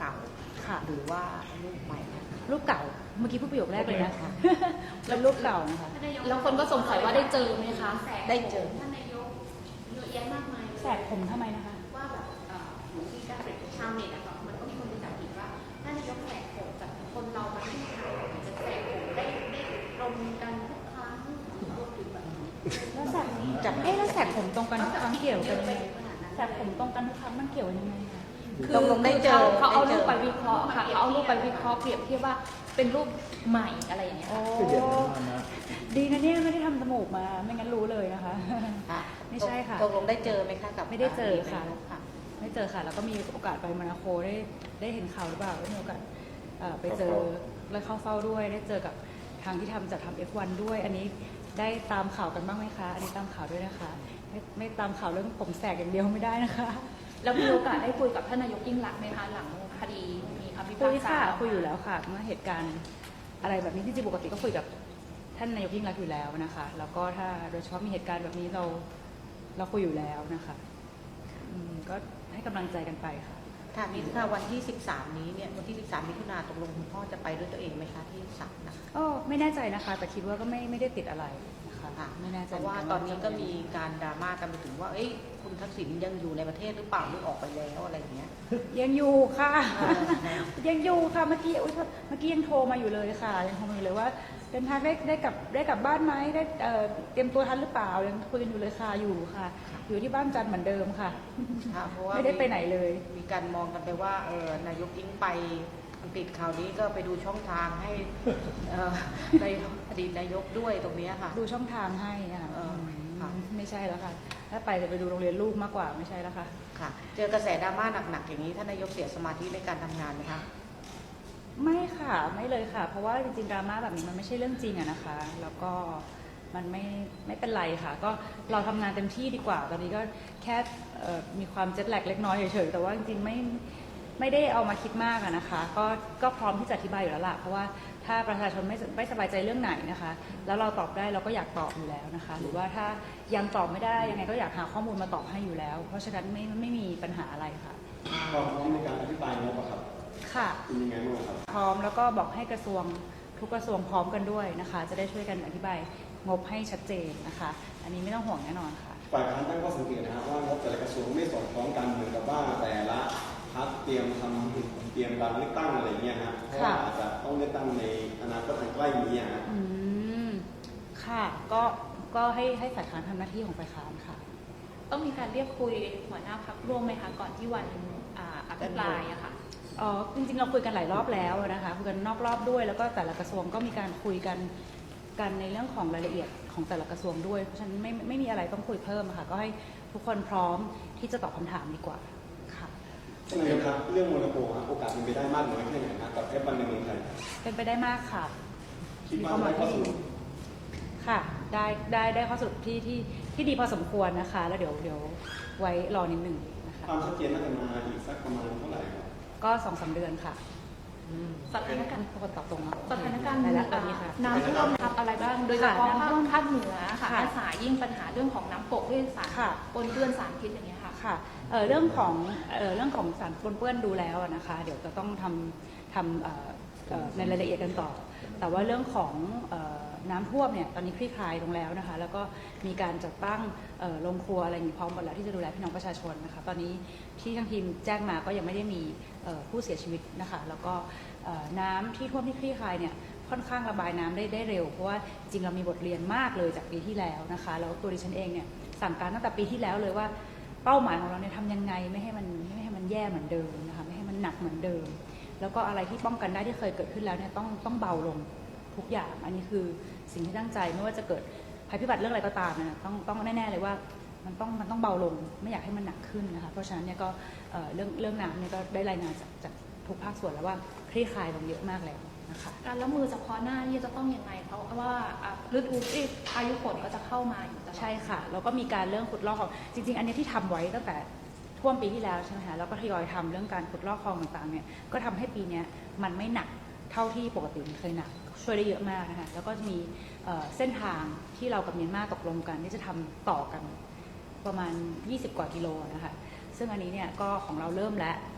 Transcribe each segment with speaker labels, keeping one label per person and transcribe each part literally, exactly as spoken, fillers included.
Speaker 1: เก่า
Speaker 2: ค่ะ
Speaker 1: หรือว่ารูปใหม่
Speaker 2: รูปเก่าเมื่อกี้พูดประโยคแรกเลยนะคะแล้วรูปเก่านะคะ
Speaker 3: แล้วคนก็สงสัยว่าได้เจอไหมคะ
Speaker 1: ได้เจอ
Speaker 4: ท่านนายกเยอะแยะมากมาย
Speaker 2: แสกผมทำไมนะคะ
Speaker 4: ว่าแบบเหมือนที่การเป็นชาวเน็ตอะค่ะมันก็มีคนไปจับผิดว่าท่านนายกแสกผมจากคนเรามาที่ไทยอาจจะแสกผมได้ได้ตรงกันทุกครั้งรวมถึงแบบ
Speaker 2: แล้วแสกจับเอ๊ะแล้วแสกผมตรงกันทุกครั้งเกี่ยวกันยังไงแสกผมตรงกันทุกครั้งมันเกี่ยวยังไงคะ
Speaker 3: คือเขาเอารูปไปวิเคราะห์ค่ะเขาเอารูปไปวิเคราะห์เปรียบเทียบว่าเป็นรูปใหม่อะไรอย่างเงี้ย
Speaker 2: ดีนะเนี่ยไม่ได้ทำจมูกมาไม่งั้นรู้เลยนะคะไม่ใช่ค่ะ
Speaker 1: ตกลงได้เจอไหมคะกับ
Speaker 2: ไม่ได้เจอค่ะไม่เจอค่ะแล้วก็มีโอกาสไปโมนาโคได้ได้เห็นข่าวหรือเปล่าได้มีโอกาสไปเจอและเข้าเฝ้าด้วยได้เจอกับทางที่ทำจัดทำ เอฟ วัน ด้วยอันนี้ได้ตามข่าวกันบ้างไหมคะอันนี้ตามข่าวด้วยนะคะไม่ไม่ตามข่าวเรื่องผมแสกอย่างเดียวไม่ได้นะคะ
Speaker 3: แล้วมีโอกาสได้คุยกับท่านนายกยิ่งรักษณ์ไหมคะหลังคดีมีคำพิพากษา
Speaker 2: คุยค่ะคุยอยู่แล้วค่ะเมื่อเหตุการณ์อะไรแบบนี้ที่จริงปกติก็คุยกับท่านนายกยิ่งรักษณ์อยู่แล้วนะคะแล้วก็ถ้าโดยเฉพาะมีเหตุการณ์แบบนี้เราเราคุยอยู่แล้วนะคะก็ให้กำลังใจกันไปค่ะ
Speaker 1: ค่ะมีค่ะวันที่สิบสามนี้เนี่ยวันที่สิบสามมิถุนาตกลงคุณพ่อจะไปด้วยตัวเองไหมคะที่ศาลนะคะ
Speaker 2: ก็ไม่แน่ใจนะคะแต่คิดว่าก็ไม่ไม่ได้ติดอะไรนะคะไม่แน่ใจ
Speaker 1: เพราะว่าตอนนี้ก็มีการดราม่ากันไปถึงว่าเอ้ยคุณทักษิณยังอยู่ในประเทศหรือเปล่าหรือออกไปแล้วอะไรอย่างเงี้ย
Speaker 2: ยังอยู่ค่ะยังอยู่ค่ะเมื่อกี้เมื่อกี้ยังโทรมาอยู่เลยค่ะยังโทรมาอยู่เลยว่าเดินทางได้ได้กลับได้กลับบ้านไหมได้เตรียมตัวทันหรือเปล่ายังคุยกันอยู่เลยค่ะอยู่ค่ะอยู่ที่บ้านจันทร์เหมือนเดิมค่ะไม่ได้ไปไหนเลย
Speaker 1: มีการมองกันไปว่าเออนายกอิงไปอังกฤษคราวนี้ก็ไปดูช่องทางให้ในอดีตนายกด้วยตรงนี้ค่ะ
Speaker 2: ดูช่องทางให้ค่ะไม่ใช่แล้วค่ะถ้าไปจะไปดูโรงเรียนลูกมากกว่าไม่ใช่แล้วค่ะ
Speaker 1: ค่ะเจอกระแสดราม่าหนักๆอย่างนี้ท่านนายกเสียสมาธิในการทำงานไหมคะ
Speaker 2: ไม่ค่ะไม่เลยค่ะเพราะว่าจริงๆดราม่าแบบนี้มันไม่ใช่เรื่องจริงอะนะคะแล้วก็มันไม่ไม่เป็นไรค่ะก็เราทำงานเต็มที่ดีกว่าตอนนี้ก็แค่มีความเจ็ตแลกเล็กน้อยเฉยๆแต่ว่าจริงๆไม่ไม่ได้เอามาคิดมากอะนะคะก็ก็พร้อมที่จะอธิบายอยู่แล้วล่ะเพราะว่าถ้าประชาชนไม่ไม่สบายใจเรื่องไหนนะคะแล้วเราตอบได้เราก็อยากตอบอยู่แล้วนะคะหรือว่าถ้ายังตอบไม่ได้ยังไงก็อยากหาข้อมูลมาตอบให้อยู่แล้วเพราะฉะนั้นไม่ไม่มีปัญหาอะไรค่ะ
Speaker 5: พร้อมในการอธิบายงบครับ
Speaker 2: ค่ะ
Speaker 5: เป็นยังไงบ้างครับ
Speaker 2: พร้อมแล้วก็บอกให้กระทรวงทุกกระทรวงพร้อมกันด้วยนะคะจะได้ช่วยกันอธิบายงบให้ชัดเจนนะคะอันนี้ไม่ต้องห่วงแน่นอนค่ะ
Speaker 5: ฝ่ายค้านตั้งข้อสังเกตนะครับว่างบแต่ละกระทรวงไม่สอดคล้องกันเหมือนกับว่าแต่ละพรรคเตรียมทำเตรียมการเลือกตั้งอะไรเงี้ยฮะเพราะว่าอาจจะต้องเลือกตั้งในอนาคตอันใกล้นี้ฮะ
Speaker 2: อืมค่ะก็ก็ให้ให้ฝ่ายค้านทำหน้าที่ของฝ่ายค้านค่ะ
Speaker 3: ต้องมีการเรียกคุยหัวหน้าพรรคร่วมไหมคะก่อนที่วันอภิปรายอะค่ะ
Speaker 2: อ๋อจริงๆเราคุยกันหลายรอบแล้วนะคะคุยกันนอกรอบด้วยแล้วก็แต่ละกระทรวงก็มีการคุยกันกันในเรื่องของรายละเอียดของแต่ละกระทรวงด้วยเพราะฉะนั้นไม่ไม่มีอะไรต้องคุยเพิ่มค่ะก็ให้ทุกคนพร้อมที่จะตอบคำถามดีกว่าค่ะ
Speaker 5: ท่านนายกครับเรื่องโมนาโกโอกาสเป็นไปได้มากน้อยแค่ไหนครับกับเอฟวันในเมืองไทย
Speaker 2: เป็นไปได้มากค่ะ
Speaker 5: คิดว่าได้ข้อสรุป
Speaker 2: ค่ะได้ได้ได้ข้อสรุปที่ที่ที่ดีพอสมควรนะคะแล้วเดี๋ยวเดี๋ยวไว้รอนิดหนึ่งนะคะ
Speaker 5: ความชัดเจนน่าจะมาอีกสักประมาณเท่าไหร่ครับ
Speaker 2: ก็สองสามเดือนค่ะ
Speaker 3: สถานการณ์
Speaker 2: คนตอบตรงนะ
Speaker 3: สถานการณ์น้ำท่วมทับอะไรบ้างโดยเฉพาะภาคเหนือค่ะอาสายิ่งปัญหาเรื่องของน้ำปกด้วยสารปนเปื้อนสารพิษอย่างเงี้ยค่ะ
Speaker 2: ค่ะเรื่องของเรื่องของสารปนเปื้อนดูแล้วนะคะเดี๋ยวจะต้องทำทำในรายละเอียดกันต่อแต่ว่าเรื่องของน้ำท่วมเนี่ยตอนนี้คลี่คลายลงแล้วนะคะแล้วก็มีการจัดตั้งโรงครัวอะไรอย่างนี้พร้อมหมดแล้วที่จะดูแลพี่น้องประชาชนนะคะตอนนี้ที่ทางทีมแจ้งมาก็ยังไม่ได้มีผู้เสียชีวิตนะคะแล้วก็น้ำที่ท่วมที่คลี่คลายเนี่ยค่อนข้างระบายน้ำได้ได้เร็วเพราะว่าจริงเรามีบทเรียนมากเลยจากปีที่แล้วนะคะแล้วตัวดิฉันเองเนี่ยสั่งการตั้งแต่ปีที่แล้วเลยว่าเป้าหมายของเราเนี่ยทำยังไงไม่ให้มันไม่ให้มันแย่เหมือนเดิมนะคะไม่ให้มันหนักเหมือนเดิมแล้วก็อะไรที่ป้องกันได้ที่เคยเกิดขึ้นแล้วเนี่ยต้องต้องเบาลงทุกอย่างอันนี้คือสิ่งที่ตั้งใจไม่ว่าจะเกิดภัยพิบัติเรื่องอะไรก็ตามนะต้องต้องแน่ๆเลยว่ามันต้องมันต้องเบาลงไม่อยากให้มันหนักขึ้นนะคะเพราะฉะนั้นเนี่ยก็เรื่องเรื่องน้ำเนี่ยก็ได้รายงานจากจากทุกภาคส่วนแล้วว่าคลี่คลายลงเยอะมากแล้วนะคะ
Speaker 3: การรับมือเฉพาะหน้านี่จะต้องยังไงเพราะว่าฤดูพายุฝนก็จะเข้ามาอยู่
Speaker 2: ใช่ค่ะแล้วก็มีการเรื่องขุดลอกคลองจริงๆอันนี้ที่ทำไว้ตั้งแต่ท่วมปีที่แล้วใช่ไหมคะแล้วก็ทยอยทำเรื่องการขุดลอกคลองต่างๆเนี่ยก็ทำให้ปีนี้มันไม่หนักเท่าที่ปกติมันเคยหนักช่วยได้เยอะมากนะคะแล้วก็จะมีเส้นทางที่เรากับเมียนมาตกลงกันที่จะทำต่อกันประมาณยี่สิบกว่ากิโลนะคะซึ่งอันนี้เนี่ยก็ของเราเริ่มแล้ว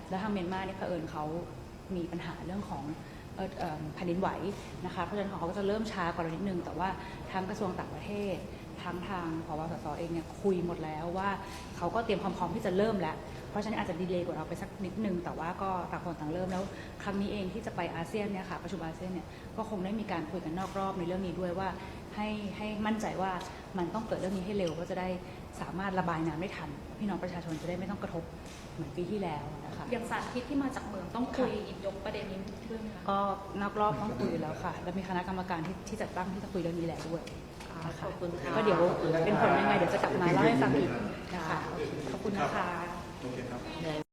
Speaker 2: แล้วทางเมียนมาเนี่ยเผอิญเขามีปัญหาเรื่องของเอ่อเอ่อแผ่นดินไหวนะคะเพราะฉะนั้นของเขาก็จะเริ่มช้ากว่าเรานิดนึงแต่ว่าทางกระทรวงต่างประเทศทั้งทางผบสสเองเนี่ยคุยหมดแล้วว่าเขาก็เตรียมความพร้อมที่จะเริ่มแล้วเพราะฉะนั้นอาจจะดีเลย์กว่าเราไปสักนิดนึงแต่ว่าก็ต่างคนต่างเริ่มแล้วครั้งนี้เองที่จะไปอาเซียนเนี่ยค่ะประชุมอาเซียนเนี่ยก็คงได้มีการคุยกันนอกรอบในเรื่องนี้ด้วยว่าให้ให้มั่นใจว่ามันต้องเกิดเรื่องนี้ให้เร็วก็จะได้สามารถระบายน้ำได้ทันพี่น้องประชาชนจะได้ไม่ต้องกระทบเหมือนปีที่แล้วนะคะ
Speaker 3: อย่างสารพิษที่มาจากเมืองต้องคุยหยิบยกประเด็นนี้ด้วยไหมคะ
Speaker 2: ก็นอกรอบต้องคุยแล้วค่ะแล้วมีคณะกรรมการที่ที่จัดตั้งที่จะคุยเรื่องนี้แล้วด้วย
Speaker 1: ขอบคุณค่ะ
Speaker 2: ก็เดี๋ยวเป็นผลยังไงเดี๋ยวจะกลับมาเล่าให้ฟังอีกนะคะขอบคุณนะคะ
Speaker 6: โอเคครับ